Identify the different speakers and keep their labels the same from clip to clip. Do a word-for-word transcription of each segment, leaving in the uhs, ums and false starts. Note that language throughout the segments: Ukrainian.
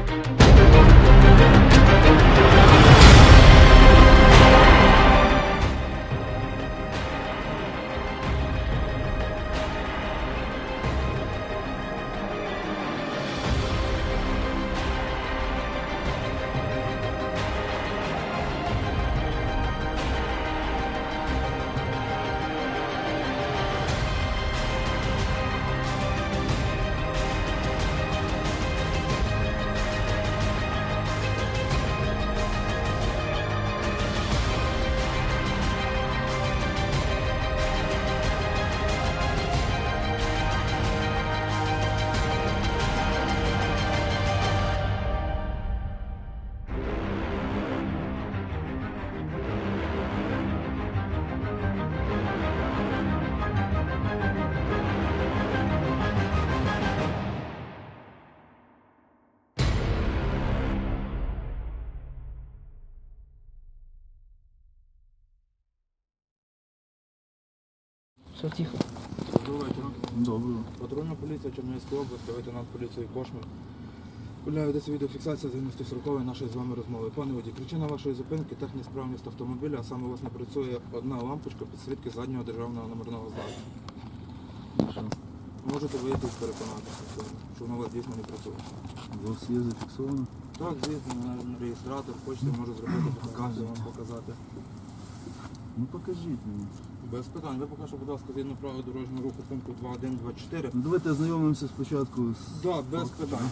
Speaker 1: Все тихо.
Speaker 2: Доброго вечора.
Speaker 3: Доброго.
Speaker 2: Патрульна поліція Чернігівської області, лейтенант поліції Кошмар. Гуляє десь відеофіксація згідності сорокової нашої з вами розмови. Пане водій, причина вашої зупинки – технесправність автомобіля, а саме у вас не працює одна лампочка підсвітки заднього державного номерного знаку.
Speaker 3: Що?
Speaker 2: Можете вийти і переконатися, в цьому, що воно у вас дійсно не працює.
Speaker 3: У вас є зафіксовано?
Speaker 2: Так, звісно, на реєстратор, хочете, можу зробити фотографію, вам показати.
Speaker 3: Ну покажіть мені.
Speaker 2: Без питань. Ви поки що, будь ласка, згідно правил дорожнього руху пункту два один два чотири.
Speaker 3: Ну давайте ознайомимося спочатку з...
Speaker 2: Так, да, без питань.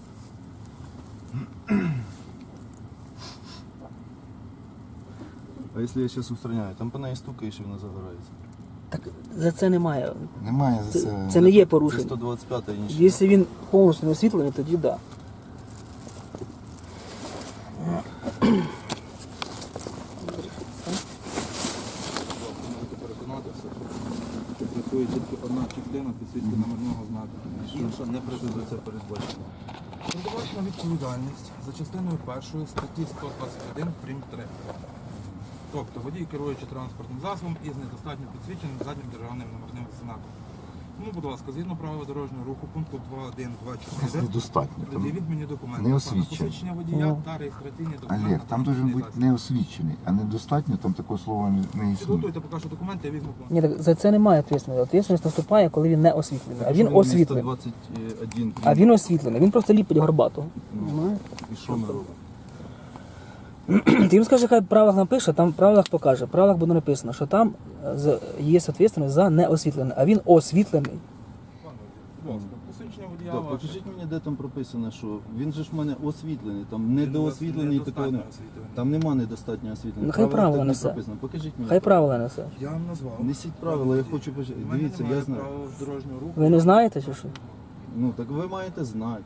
Speaker 3: А якщо я зараз устраняю, там по неї стукаєш і вона загорається.
Speaker 1: Так за це немає.
Speaker 3: Немає за
Speaker 1: Це, це не є
Speaker 3: Це
Speaker 1: порушення.
Speaker 3: сто двадцять п'ята і нічого.
Speaker 1: Якщо він повністю не освітлений, тоді так. Да.
Speaker 2: Можете переконатися, що працює тільки одна частина підсвітки номерного знаку. Інша не працює.
Speaker 3: Це передбачено.
Speaker 2: Передбачена відповідальність за частиною першої статті сто двадцять один прим. три. Тобто водій, керуючи транспортним засобом із недостатньо підсвіченим заднім державним номерним знаком. Ну, будь ласка, згідно правил дорожнього руху пункту два один два чотири.
Speaker 4: Недостатньо. Там
Speaker 2: Пред'явіть мені документи.
Speaker 4: не
Speaker 2: Пане,
Speaker 4: освічено.
Speaker 2: посвідчення водія та реєстраційні документи.
Speaker 4: Олег, там должен бути
Speaker 2: організації.
Speaker 4: не освічений, а недостатньо, там такого слова не, не існує.
Speaker 2: Підготуйте поки що документи, я візьму.
Speaker 1: Ні, так за це немає відповідальності. Відповідальність наступає, коли він не освітлений. А він освітлений.
Speaker 3: сто двадцять один.
Speaker 1: А він освітлений. Він просто ліпить горбатого. Понимаєш?
Speaker 3: І що ми робимо?
Speaker 1: Ти їм скажи, хай в правилах напише, там в правилах покаже. В правилах буде написано, що там з- є відповідальність за неосвітлений, а він освітлений.
Speaker 2: Пане, будь ласка, посвідчення водія
Speaker 3: Так,
Speaker 2: ваше.
Speaker 3: покажіть мені, де там прописано, що він же ж в мене освітлений, там недоосвітлений такого не...
Speaker 2: Недостатньо освітлений.
Speaker 3: Там нема недостатньо освітлення.
Speaker 1: Ну, хай правила
Speaker 3: так не
Speaker 1: несе.
Speaker 3: прописано. Покажіть мені.
Speaker 1: Хай правила несе.
Speaker 2: Я вам назвав.
Speaker 3: Несіть правила, я хочу
Speaker 2: У
Speaker 3: почати.
Speaker 2: мене
Speaker 3: Дивіться,
Speaker 2: немає
Speaker 3: я знаю.
Speaker 2: правил дорожнього руху.
Speaker 1: Ви не знаєте, чи що?
Speaker 3: Ну так ви маєте знати.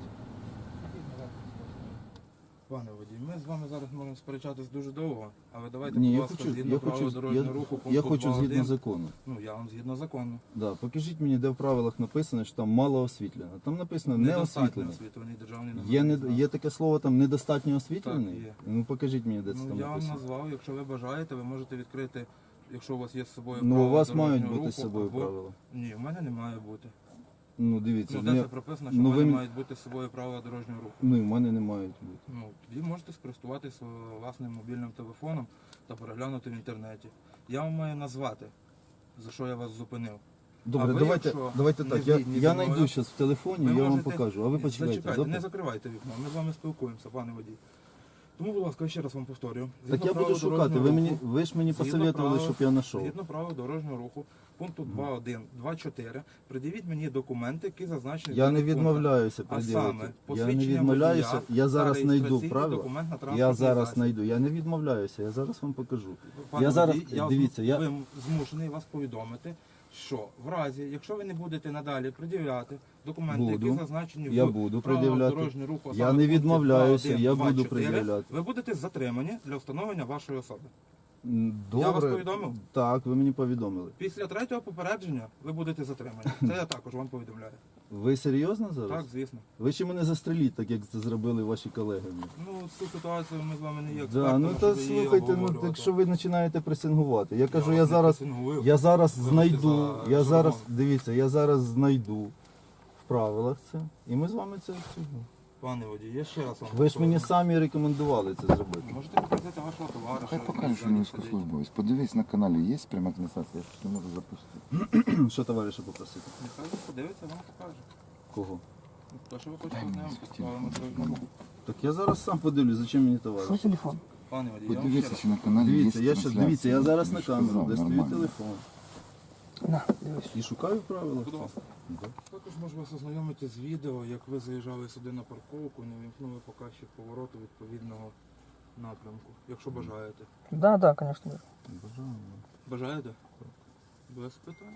Speaker 2: Пане водій, ми з вами зараз можемо сперечатись дуже довго, але давайте,
Speaker 3: Ні,
Speaker 2: будь
Speaker 3: я
Speaker 2: ласка,
Speaker 3: хочу,
Speaker 2: згідно
Speaker 3: я
Speaker 2: правил
Speaker 3: хочу,
Speaker 2: дорожнього
Speaker 3: я,
Speaker 2: руху пункту
Speaker 3: я хочу
Speaker 2: два
Speaker 3: згідно
Speaker 2: один.
Speaker 3: закону.
Speaker 2: Ну, я вам згідно закону.
Speaker 3: Да, покажіть мені, де в правилах написано, що там мало освітлено. Там написано не
Speaker 2: Недостатньо
Speaker 3: освітлено.
Speaker 2: освітлений державний
Speaker 3: Є,
Speaker 2: номерний
Speaker 3: не,
Speaker 2: знак.
Speaker 3: є таке слово там недостатньо освітлений?
Speaker 2: Так, є.
Speaker 3: Ну покажіть мені, де це
Speaker 2: Ну,
Speaker 3: там
Speaker 2: я вам
Speaker 3: написано.
Speaker 2: назвав, якщо ви бажаєте, ви можете відкрити, якщо у вас є з собою
Speaker 3: Ну, у
Speaker 2: правила
Speaker 3: вас мають
Speaker 2: дорожнього
Speaker 3: бути з
Speaker 2: руху,
Speaker 3: собою
Speaker 2: або-
Speaker 3: правила.
Speaker 2: Ні, в мене не має бути.
Speaker 3: Ну дивіться,
Speaker 2: Ну, де
Speaker 3: ну,
Speaker 2: це прописано, що
Speaker 3: ну,
Speaker 2: в мене
Speaker 3: ви-
Speaker 2: мають бути з собою правила дорожнього руху.
Speaker 3: ну і в мене не мають бути.
Speaker 2: Ну, тоді можете скористуватися власним мобільним телефоном та переглянути в інтернеті. Я вам маю назвати, за що я вас зупинив.
Speaker 3: Добре,
Speaker 2: ви,
Speaker 3: давайте,
Speaker 2: якщо
Speaker 3: давайте
Speaker 2: не
Speaker 3: так. Я,
Speaker 2: згідні
Speaker 3: я
Speaker 2: зі мною,
Speaker 3: знайду зараз в телефоні, я вам
Speaker 2: можете-
Speaker 3: покажу. А ви почекайте.
Speaker 2: Зачекайте,
Speaker 3: добре?
Speaker 2: не закривайте вікно, ми з вами спілкуємося, пане водій. Тому, будь ласка, ще раз вам повторюю.
Speaker 3: Так
Speaker 2: Згідно
Speaker 3: я буду
Speaker 2: правил
Speaker 3: шукати.
Speaker 2: дорожнього
Speaker 3: Ви мені,
Speaker 2: руху-
Speaker 3: ви ж мені
Speaker 2: Згідно
Speaker 3: посоветували,
Speaker 2: правил-
Speaker 3: щоб я знайшов.
Speaker 2: Згідно правил дорожнього руху, пункту два один два чотири, придивіть мені документи, які зазначені. в
Speaker 3: Я не
Speaker 2: даних пунктах.
Speaker 3: відмовляюся
Speaker 2: А
Speaker 3: приділити.
Speaker 2: саме,
Speaker 3: Я не
Speaker 2: посвідчення
Speaker 3: відмовляюся.
Speaker 2: водія
Speaker 3: Я
Speaker 2: та
Speaker 3: зараз знайду
Speaker 2: реєстраційний
Speaker 3: правила.
Speaker 2: документ на
Speaker 3: Я
Speaker 2: транспортний
Speaker 3: зараз
Speaker 2: засіб.
Speaker 3: знайду. Я не відмовляюся. Я зараз вам покажу.
Speaker 2: Пане
Speaker 3: Я зараз-
Speaker 2: водій, я
Speaker 3: дивіться, я-
Speaker 2: ви змушений вас повідомити, що в разі, якщо ви не будете надалі пред'являти документи,
Speaker 3: Буду.
Speaker 2: які зазначені
Speaker 3: Я
Speaker 2: в
Speaker 3: буду
Speaker 2: правилах
Speaker 3: пред'являти.
Speaker 2: дорожнього руху, а
Speaker 3: Я
Speaker 2: саме
Speaker 3: не
Speaker 2: в пункті
Speaker 3: відмовляюся,
Speaker 2: два один
Speaker 3: я
Speaker 2: два
Speaker 3: буду
Speaker 2: чотири,
Speaker 3: пред'являти.
Speaker 2: ви будете затримані для встановлення вашої особи.
Speaker 3: М, Добре.
Speaker 2: Я вас повідомив?
Speaker 3: Так, ви мені повідомили.
Speaker 2: Після третього попередження ви будете затримані. Це я також вам повідомляю.
Speaker 3: Ви серйозно зараз?
Speaker 2: Так, звісно.
Speaker 3: Ви ще мене застреліть, так як це зробили ваші колеги.
Speaker 2: Ну, цю ситуацію ми з вами не є
Speaker 3: Да,
Speaker 2: експертами,
Speaker 3: ну та
Speaker 2: щоб її
Speaker 3: слухайте, ну
Speaker 2: обговорювати.
Speaker 3: так що ви починаєте пресингувати. Я кажу,
Speaker 2: вас
Speaker 3: я
Speaker 2: не
Speaker 3: зараз,
Speaker 2: пресингую.
Speaker 3: я зараз
Speaker 2: Вибачте
Speaker 3: знайду,
Speaker 2: за
Speaker 3: я зараз,
Speaker 2: жаргон.
Speaker 3: дивіться, я зараз знайду в правилах це, і ми з вами це обсудимо.
Speaker 2: Пане водій, я ще раз вам
Speaker 3: Ви ж мені
Speaker 2: повторюю.
Speaker 3: самі рекомендували це зробити.
Speaker 2: Можете показати вашого товариша.
Speaker 4: Хай покаже,
Speaker 2: який
Speaker 4: що
Speaker 2: ззаді
Speaker 4: він
Speaker 2: сидить.
Speaker 4: військовослужбовець. Подивись, на каналі є пряма трансляція, я щось не можу запустити.
Speaker 3: Що товариша попросити?
Speaker 2: Нехай він подивиться, вам покаже.
Speaker 3: Кого?
Speaker 2: Ну, То, що ви хочете
Speaker 4: Дай мені
Speaker 2: знайомитися з
Speaker 4: хотів.
Speaker 2: правилами дорожнього руху.
Speaker 3: Так я зараз сам подивлюсь, зачем мені
Speaker 1: Що
Speaker 3: товариш?
Speaker 1: телефон?
Speaker 2: Пане водій, я вам ще
Speaker 4: Подивися,
Speaker 2: раз.
Speaker 4: чи на каналі є
Speaker 3: Дивіться, я ще
Speaker 4: трансляція.
Speaker 3: дивіться, я зараз
Speaker 4: Я
Speaker 3: на
Speaker 4: ж
Speaker 3: камеру
Speaker 4: казав,
Speaker 3: достаю
Speaker 4: нормально.
Speaker 3: телефон.
Speaker 1: На, дивись.
Speaker 3: І шукаю правила.
Speaker 2: Будь ласка. Також можу вас ознайомити з відео, як ви заїжджали сюди на парковку, не вимкнули показчик повороту відповідного напрямку, якщо бажаєте.
Speaker 1: Да, да, звісно.
Speaker 3: Бажаю.
Speaker 2: Бажаєте? Без питань.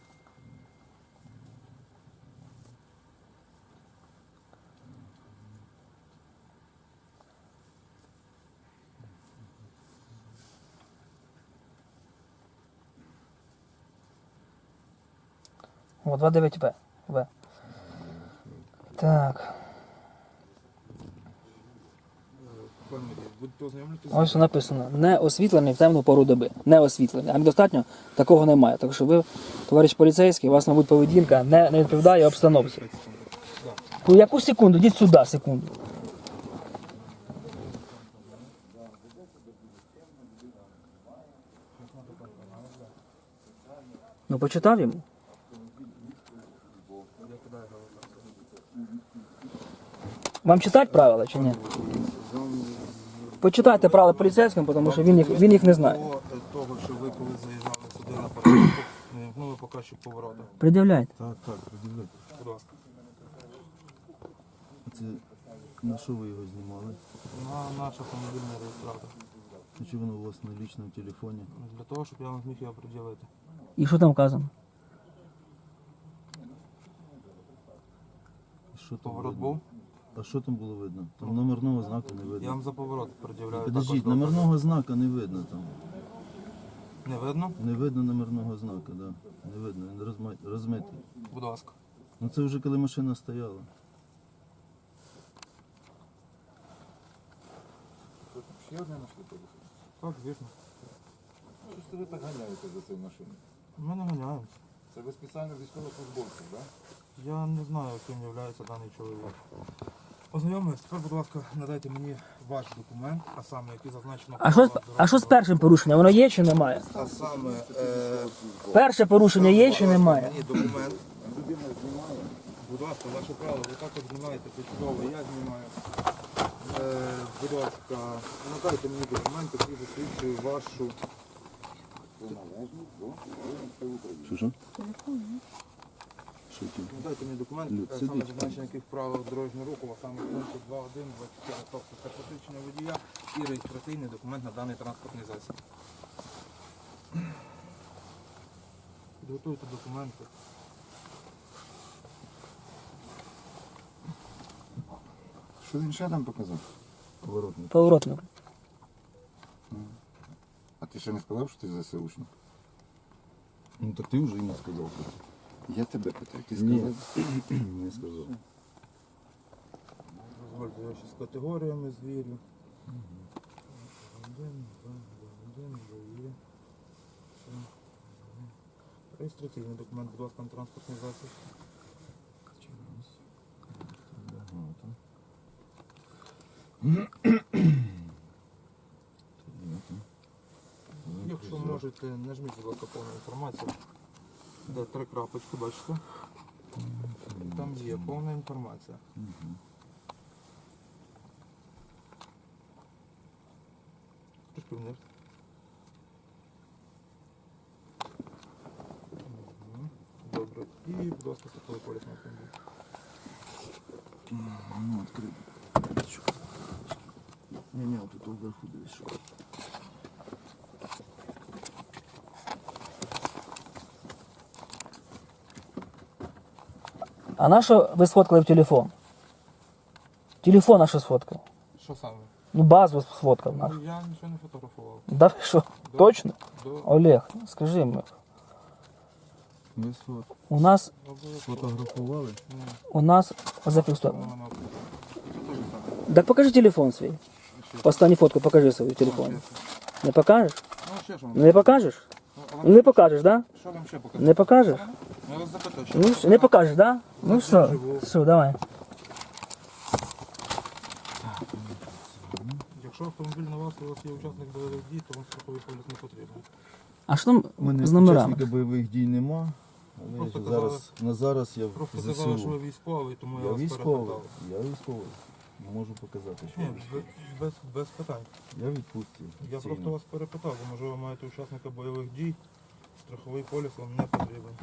Speaker 1: О, двадцять дев'ять Б. В. Так.
Speaker 2: Пане водій, будете ознайомлюватися з
Speaker 1: Ось що написано. Не освітлений в темну пору доби. Не освітлений. А недостатньо такого немає. Так що ви, товариш поліцейський, у вас, мабуть, поведінка не, не відповідає обстановці. У яку секунду? Йдіть сюди, секунду. Ну, почитав йому? Вам читати правила чи ні? Почитайте правила поліцейським, тому що він їх, він їх не знає.
Speaker 2: До того, що ви коли заїжджали сюди на парковку, не вимкнули показчик повороту.
Speaker 1: Пред'являйте.
Speaker 3: Так, так, придивляйте.
Speaker 2: Будь ласка.
Speaker 3: Це на що ви його знімали?
Speaker 2: На наш автомобільний реєстратор.
Speaker 3: А чи воно у вас на лічному телефоні?
Speaker 2: Для того, щоб я вам зміг його приділити.
Speaker 1: І що там вказано?
Speaker 3: І Що там
Speaker 2: Поворот
Speaker 3: видно?
Speaker 2: був.
Speaker 3: А що там було видно? Там номерного знака не
Speaker 2: Я
Speaker 3: видно.
Speaker 2: вам за поворот пред'являю.
Speaker 3: Подождіть,
Speaker 2: також докази.
Speaker 3: номерного знака не видно там.
Speaker 2: Не видно?
Speaker 3: Не видно номерного знака, да. Не видно, він розма- розмитий.
Speaker 2: Будь ласка.
Speaker 3: Ну це вже коли машина стояла.
Speaker 4: Ще одне знайшли телефон.
Speaker 2: Так, звісно.
Speaker 4: Що ж це ви так ганяєте за цією машиною?
Speaker 2: Ми не ганяємося.
Speaker 4: Це ви спеціально військовослужбовців, так?
Speaker 2: Я не знаю, ким є даний чоловік. Ознайомились, тепер, будь ласка, надайте мені ваш документ, а саме, який зазначено...
Speaker 1: А що, з-
Speaker 2: правила
Speaker 1: а що з
Speaker 2: дорожнього
Speaker 1: першим порушенням? Воно є чи немає?
Speaker 2: руху. А саме, е,
Speaker 1: Перше порушення є чи
Speaker 2: будь ласка,
Speaker 1: немає?
Speaker 2: мені документ.
Speaker 4: Людина знімає.
Speaker 2: Будь ласка, ваше право, ви також знімаєте, почудово, я знімаю. Е, будь ласка, надайте мені документ, який засвідчує вашу...
Speaker 4: Приналежність до Збройних України.
Speaker 3: Що що? Що ті?
Speaker 2: Надайте мені документ,
Speaker 3: Люд,
Speaker 2: е,
Speaker 3: сидіть
Speaker 2: саме
Speaker 3: там.
Speaker 2: зазначення яких правил дорожнього руху, а саме пункту два один, двадцять чотири, тобто це посвідчення водія і реєстраційний документ на даний транспортний засіб. Підготуйте документи.
Speaker 4: Що він ще там показав?
Speaker 3: Поворотник.
Speaker 1: Поворотник.
Speaker 4: А ти ще не сказав, що ти ЗСУшник?
Speaker 3: Ну так ти вже йому сказав.
Speaker 4: Я тебе питаю, ти
Speaker 3: Ні.
Speaker 4: сказав?
Speaker 3: Не сказав.
Speaker 2: Дозвольте, я ще з категоріями звірю. Один, два, один, два, є. Все. Реєстраційний документ, будь ласка, на транспортний засіб. Якщо можете, нажміть, будь ласка, повну інформацію. Де три крапочки, бачите? Там є повна інформація. Трошки вниз. Мгм. Добре. І, будь ласка, страховий поліс на автомобіль.
Speaker 3: Ну, відкрив. Ні, ні, тут вверху десь що.
Speaker 1: А на що ви сфоткали в телефон? Телефон на що сфоткав?
Speaker 2: Що саме?
Speaker 1: Ну, базу сфоткав наш.
Speaker 2: Ну, я нічого не фотографував.
Speaker 1: Да ви що?
Speaker 2: До-
Speaker 1: Точно?
Speaker 2: До...
Speaker 1: Олег, скажи мені.
Speaker 3: Ви сфот-
Speaker 1: У нас,
Speaker 2: Обов'язково.
Speaker 3: сфотографували?
Speaker 2: Ні,
Speaker 1: у нас зафіксовано.
Speaker 2: воно- Це теж саме.
Speaker 1: Так покажи телефон свій.
Speaker 2: Ще.
Speaker 1: Останню фотку покажи свій телефон. Не покажеш?
Speaker 2: Ну, ще що вам?
Speaker 1: Не покажеш?
Speaker 2: Ну, а вам
Speaker 1: Не покажеш, да?
Speaker 2: Що вам ще показати?
Speaker 1: Не покажеш?
Speaker 2: Я вас запитаю, що
Speaker 1: Ну,
Speaker 2: вам
Speaker 1: все, не покажеш, да? Ну
Speaker 2: Я
Speaker 1: все,
Speaker 2: живу.
Speaker 1: все, давай.
Speaker 2: Якщо автомобіль на вас, у вас є учасник бойових дій, то вам страховий поліс не потрібен.
Speaker 1: А що там
Speaker 3: У мене
Speaker 1: з номерами?
Speaker 3: учасника бойових дій нема. Але
Speaker 2: Просто
Speaker 3: ж
Speaker 2: казали-
Speaker 3: зараз, на зараз я
Speaker 2: Просто
Speaker 3: в
Speaker 2: казали, що ви
Speaker 3: ЗСУ.
Speaker 2: військовий, тому я,
Speaker 3: Я
Speaker 2: вас
Speaker 3: військовий.
Speaker 2: перепитав.
Speaker 3: Я військовий. Можу показати, що
Speaker 2: Ні,
Speaker 3: я військовий.
Speaker 2: без, без, без питань.
Speaker 3: Я відпустив.
Speaker 2: Я просто вас перепитав, бо може ви маєте учасника бойових дій, страховий поліс вам не потрібен.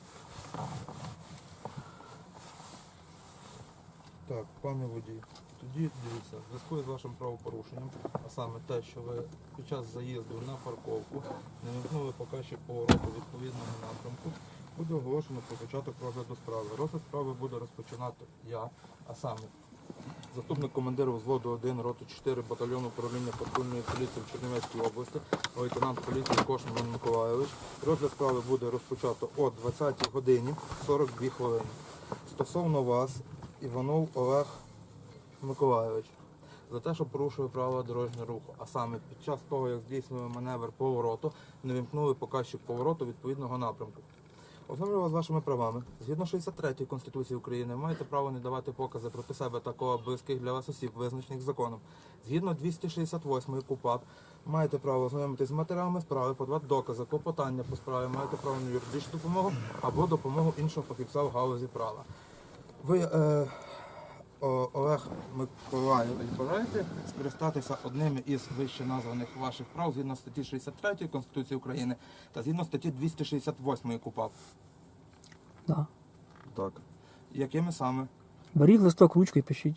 Speaker 2: Так, пане водій, тоді дивіться, в зв'язку з вашим правопорушенням, а саме те, що ви під час заїзду на парковку не вимкнули показчик повороту відповідного напрямку, буде оголошено про початок розгляду справи. Розгляд справи буде розпочинати я, а саме заступник командира взводу один, роти чотири батальйону управління патрульної поліції в Чернівецькій області, лейтенант поліції Кошин Іван Миколайович. Розгляд справи буде розпочато о двадцятій годині сорок дві хвилини. Стосовно вас, Іванов Олег Миколайович, за те, що порушує правила дорожнього руху, а саме під час того, як здійснює маневр повороту, не вимкнули показчик повороту відповідного напрямку. Ознайомлюю вас з вашими правами. Згідно шістдесят третьої Конституції України маєте право не давати покази проти себе та кого близьких для вас осіб, визначених законом. Згідно двісті шістдесят восьмої КУпАП маєте право ознайомитись з матеріалами справи, подавати докази, клопотання по справі, маєте право на юридичну допомогу або допомогу іншого фахівця в галузі права. Ви, е, О- Олег Миколайович, бажаєте скористатися одним із вище названих ваших прав згідно статті шістдесят третьої Конституції України та згідно статті двісті шістдесят восьмої КУпАП?
Speaker 1: Да.
Speaker 3: Так.
Speaker 2: Якими саме?
Speaker 1: Беріть листок, ручку і пишіть.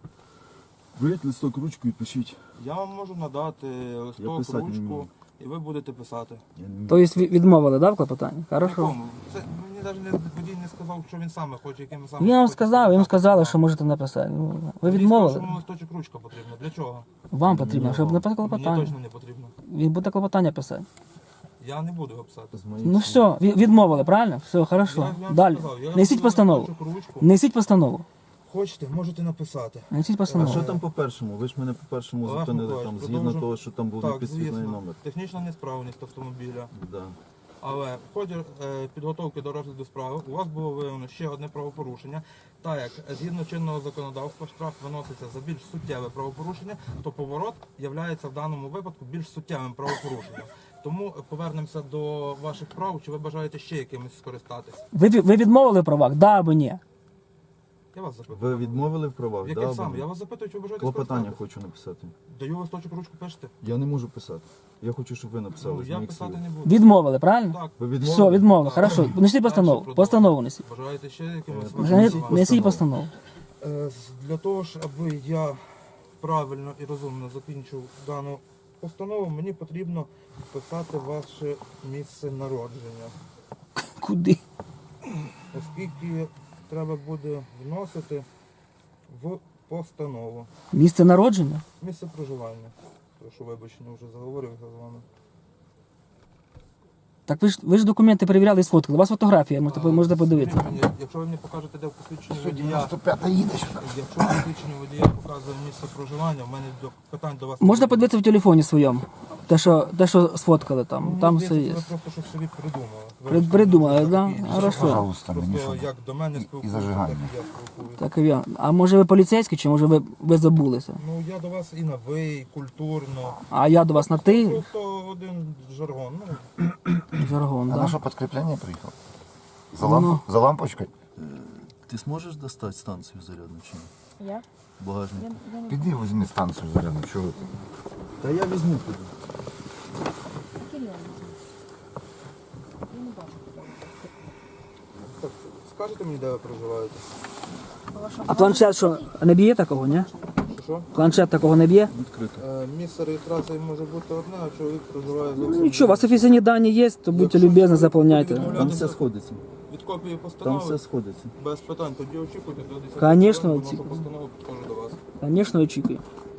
Speaker 3: Беріть листок, ручку і пишіть.
Speaker 2: Я вам можу надати
Speaker 3: Я
Speaker 2: листок,
Speaker 3: писати не
Speaker 2: ручку,
Speaker 3: вмію.
Speaker 2: і ви будете писати.
Speaker 3: Я не
Speaker 1: Тобто ві- відмовили, да, в клопотанні? Хорошо.
Speaker 2: Якому? Це мені навіть не, водій не сказав, що він саме хоче, якими саме.
Speaker 1: Я вам
Speaker 2: хоче
Speaker 1: сказав, їм
Speaker 2: скористатися.
Speaker 1: сказали, що можете написати. Ну, Ви
Speaker 2: Водій сказав,
Speaker 1: відмовили?
Speaker 2: що йому листочок ручка потрібна. Для чого?
Speaker 1: Вам потрібно, щоб написати
Speaker 2: Мені
Speaker 1: клопотання.
Speaker 2: точно не потрібно.
Speaker 1: Він буде клопотання писати.
Speaker 2: Я не буду його писати.
Speaker 3: з моїх
Speaker 1: Ну
Speaker 3: слів.
Speaker 1: все, ві- відмовили, правильно? Все, хорошо.
Speaker 2: Я- я вам
Speaker 1: Далі.
Speaker 2: сказав, я вам
Speaker 1: Несіть
Speaker 2: сказав,
Speaker 1: постанову.
Speaker 2: листочок, ручку.
Speaker 1: Несіть постанову.
Speaker 2: Хочете, можете написати.
Speaker 1: Несіть
Speaker 3: А
Speaker 1: постанову.
Speaker 3: що там по першому? Ви ж мене по першому
Speaker 2: Олег
Speaker 3: зупинили
Speaker 2: Миколаївич,
Speaker 3: там, згідно
Speaker 2: продовжуємо.
Speaker 3: того, що там був
Speaker 2: Так,
Speaker 3: непідсвітний
Speaker 2: звісно.
Speaker 3: номер.
Speaker 2: Технічна несправність автомобіля.
Speaker 3: Да.
Speaker 2: Але в ході е, підготовки до розгляду справи у вас було виявлено ще одне правопорушення. Так як згідно чинного законодавства штраф виноситься за більш суттєве правопорушення, то поворот є в даному випадку більш суттєвим правопорушенням. Тому повернемося до ваших прав. Чи ви бажаєте ще якимось скористатись?
Speaker 1: Ви, ві- ви відмовили в правах? Да або ні?
Speaker 2: Я вас запитую.
Speaker 3: Ви відмовили в правах?
Speaker 2: Яким
Speaker 3: Да,
Speaker 2: саме?
Speaker 3: або
Speaker 2: Я
Speaker 3: ні?
Speaker 2: вас запитую, чи ви бажаєте
Speaker 3: Клопотання
Speaker 2: скористатись?
Speaker 3: хочу написати.
Speaker 2: Даю листочок, ручку, пишете?
Speaker 3: Я не можу писати. Я хочу, щоб ви написали
Speaker 2: Ну,
Speaker 3: з
Speaker 2: я
Speaker 3: моїх
Speaker 2: писати
Speaker 3: слів.
Speaker 2: не буду.
Speaker 1: Відмовили, правильно?
Speaker 2: Так.
Speaker 3: Ви відмовили?
Speaker 1: Все, відмовили,
Speaker 2: Так.
Speaker 1: хорошо. Несіть
Speaker 2: Дальше
Speaker 1: постанову.
Speaker 2: продовжуємо.
Speaker 1: Постанову несіть.
Speaker 2: Бажаєте ще якимось
Speaker 3: Е,
Speaker 2: вашим
Speaker 1: Несіть,
Speaker 2: словам?
Speaker 1: несіть постанову.
Speaker 2: Е, з- Для того ж, аби я правильно і розумно закінчив дану постанову, мені потрібно вписати ваше місце народження.
Speaker 1: Куди?
Speaker 2: Оскільки треба буде вносити в постанову
Speaker 1: Місце народження?
Speaker 2: місце проживання. Тому що, вибачте, вже заговорився з вами.
Speaker 1: Так ви ж ви ж документи перевіряли і сфоткали. У вас фотографія, можете, можете подивитися.
Speaker 2: Скажіть мені, Якщо ви мені покажете, де в посвідченні водія,
Speaker 4: дев'яносто п'ята їде сюди.
Speaker 2: якщо в посвідченні водія показує місце проживання, в мене до питань до вас.
Speaker 1: Можна подивитися в телефоні своєму. Те, що, те, що сфоткали там.
Speaker 2: Ну,
Speaker 1: Там
Speaker 2: мені
Speaker 1: все
Speaker 2: здається,
Speaker 1: є.
Speaker 2: Ви просто щось собі придумали.
Speaker 1: При- придумали, да?
Speaker 2: Такі-
Speaker 1: Хорошо.
Speaker 4: Пожалуйста, мені
Speaker 2: Просто
Speaker 4: що.
Speaker 2: як до мене
Speaker 4: І- і
Speaker 2: спілкуються,
Speaker 4: зажигання.
Speaker 2: так і я спілкуюся.
Speaker 1: Так і я. А може ви поліцейський, чи може ви, ви забулися?
Speaker 2: Ну я до вас і на ви, і культурно.
Speaker 1: А я до вас на ти?
Speaker 2: Просто один жаргон. Ну,
Speaker 1: Жаргон,
Speaker 4: А
Speaker 1: да?
Speaker 4: на що підкріплення приїхав? За,
Speaker 1: Ну.
Speaker 4: ламп... За лампочкою?
Speaker 3: Ти зможеш достати станцію зарядну чи ні?
Speaker 5: Я?
Speaker 3: Багажник.
Speaker 5: Я, я не
Speaker 4: Піди візьми станцію зарядну, чого ти?
Speaker 3: Та я візьму піду.
Speaker 5: Кирилл. Я не бачу.
Speaker 2: так, скажете мені, де ви проживаєте?
Speaker 1: А планшет що, не б'є такого, ні?
Speaker 2: Що, Що?
Speaker 1: Планшет такого не б'є?
Speaker 3: Відкрито.
Speaker 2: Е, місце реєстрації може бути одне, а чоловік проживає зовсім.
Speaker 1: Ну нічого, у вас офіційні дані є, то будьте
Speaker 2: Якщо
Speaker 1: любезні,
Speaker 2: ви
Speaker 1: заповняйте.
Speaker 2: будете
Speaker 3: Там все сходиться.
Speaker 2: від копії
Speaker 3: Там
Speaker 2: постанови.
Speaker 3: все сходиться.
Speaker 2: Без питань, тоді очікуйте до десятої
Speaker 1: Конечно,
Speaker 2: хвилин, вношу
Speaker 1: очікую.
Speaker 2: постанову, підходжу до вас.
Speaker 1: Звісно, очікую.